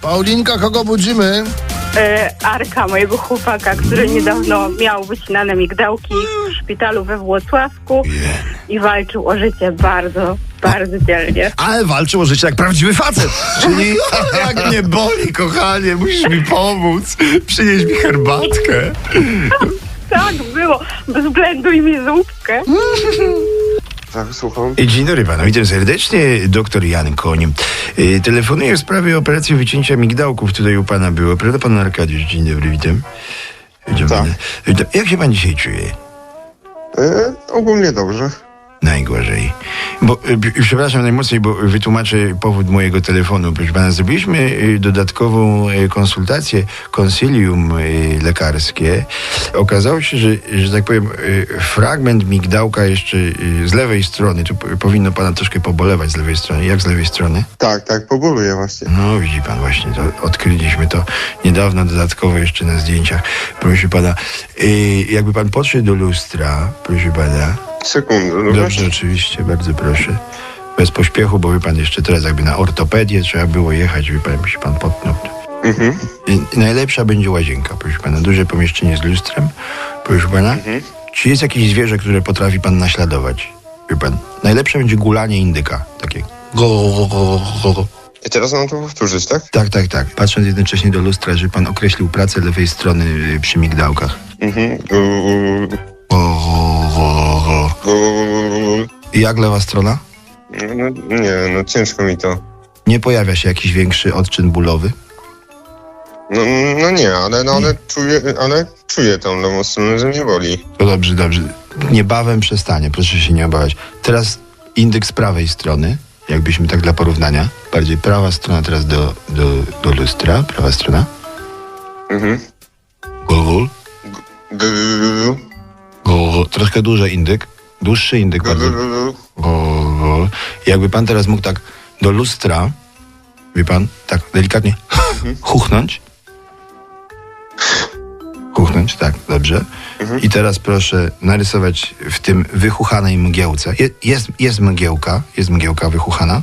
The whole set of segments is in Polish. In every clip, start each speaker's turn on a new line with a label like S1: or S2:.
S1: Paulinka, kogo budzimy?
S2: Arka, mojego chłopaka, który niedawno miał wycinane migdałki w szpitalu we Włocławku i walczył o życie bardzo, bardzo dzielnie.
S3: Ale walczył o życie jak prawdziwy facet. Czyli jak mnie boli, kochanie, musisz mi pomóc. Przynieś mi herbatkę.
S2: Tak było, bez względu i mi zupkę.
S4: Tak, słucham.
S3: Dzień dobry panu, witam serdecznie, doktor Jan Koń. Telefonuję w sprawie operacji wycięcia migdałków, tutaj u pana było, prawda pan Arkadiusz? Dzień dobry, witam. Witam
S4: Tak.
S3: pana. Jak się pan dzisiaj czuje?
S4: Ogólnie dobrze.
S3: Najgorzej. Bo, przepraszam najmocniej, bo wytłumaczę powód mojego telefonu. Proszę pana, zrobiliśmy dodatkową konsultację, konsylium lekarskie. Okazało się, że tak powiem, fragment migdałka jeszcze z lewej strony, tu powinno pana troszkę pobolewać z lewej strony. Jak z lewej strony?
S4: Tak, poboluję właśnie.
S3: No, widzi pan właśnie, to odkryliśmy to niedawno dodatkowo jeszcze na zdjęciach. Proszę pana, jakby pan podszedł do lustra, proszę pana.
S4: Sekundę,
S3: Dobrze, oczywiście, bardzo proszę. Bez pośpiechu, bo wie pan jeszcze teraz jakby na ortopedię trzeba było jechać, wie pan, jakby się pan potknął.
S4: Mhm.
S3: Najlepsza będzie łazienka, proszę pana. Duże pomieszczenie z lustrem, proszę pana. Czy jest jakieś zwierzę, które potrafi pan naśladować? Wie pan, najlepsze będzie gulanie indyka, takie go.
S4: I teraz mam to powtórzyć, tak?
S3: Tak. Patrząc jednocześnie do lustra, żeby pan określił pracę lewej strony przy migdałkach.
S4: Mhm.
S3: I jak lewa strona?
S4: No ciężko mi to.
S3: Nie pojawia się jakiś większy odczyn bólowy?
S4: No nie, ale czuję tą lewą stronę, że mnie boli.
S3: To dobrze. Niebawem przestanie, proszę się nie obawiać. Teraz indyk z prawej strony, jakbyśmy tak dla porównania. Bardziej prawa strona teraz do lustra. Prawa strona.
S4: Mhm.
S3: Gul. Troszkę duży indyk. Dłuższy indyk bardzo. Jakby pan teraz mógł tak do lustra, wie pan, tak delikatnie chuchnąć. Chuchnąć, tak, dobrze. I teraz proszę narysować w tym wychuchanej mgiełce. Jest mgiełka wychuchana.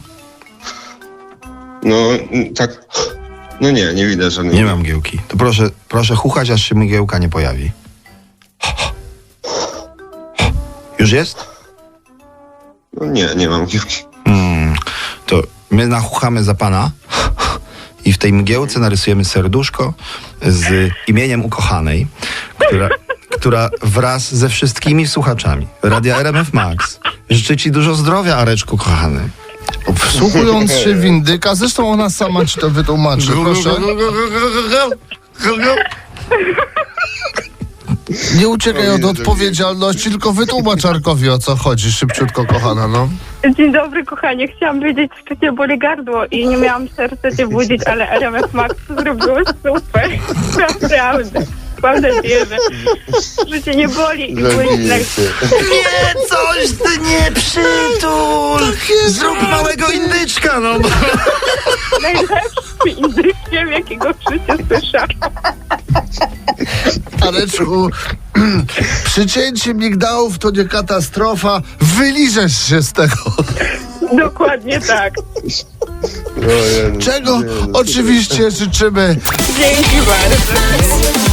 S4: No tak. No nie widać żadnej.
S3: Nie ma mgiełki. To proszę chuchać, aż się mgiełka nie pojawi. Już jest?
S4: No nie mam piłki.
S3: To my nachuchamy za pana i w tej mgiełce narysujemy serduszko z imieniem ukochanej, która wraz ze wszystkimi słuchaczami Radia RMF Max życzy ci dużo zdrowia, Areczku kochany.
S1: Wsłuchując się w indyka, zresztą ona sama ci to wytłumaczy, proszę. Nie uciekaj od odpowiedzialności, tylko wytłumacz Arkowi, o co chodzi, szybciutko, kochana, no.
S2: Dzień dobry, kochanie. Chciałam wiedzieć, czy cię boli gardło i nie miałam serca cię budzić, ale RMF Max zrobiło super. Naprawdę. Mam nadzieję, że cię nie boli i byłeś
S3: Nie, coś ty nie przytul! Zrób małego indyczka, no!
S2: najlepszym indykiem, jakiego w życiu słyszałam.
S1: Areczku, przycięcie migdałów to nie katastrofa, wyliżesz się z tego.
S2: Dokładnie tak.
S1: Czego oczywiście życzymy.
S2: Dzięki bardzo.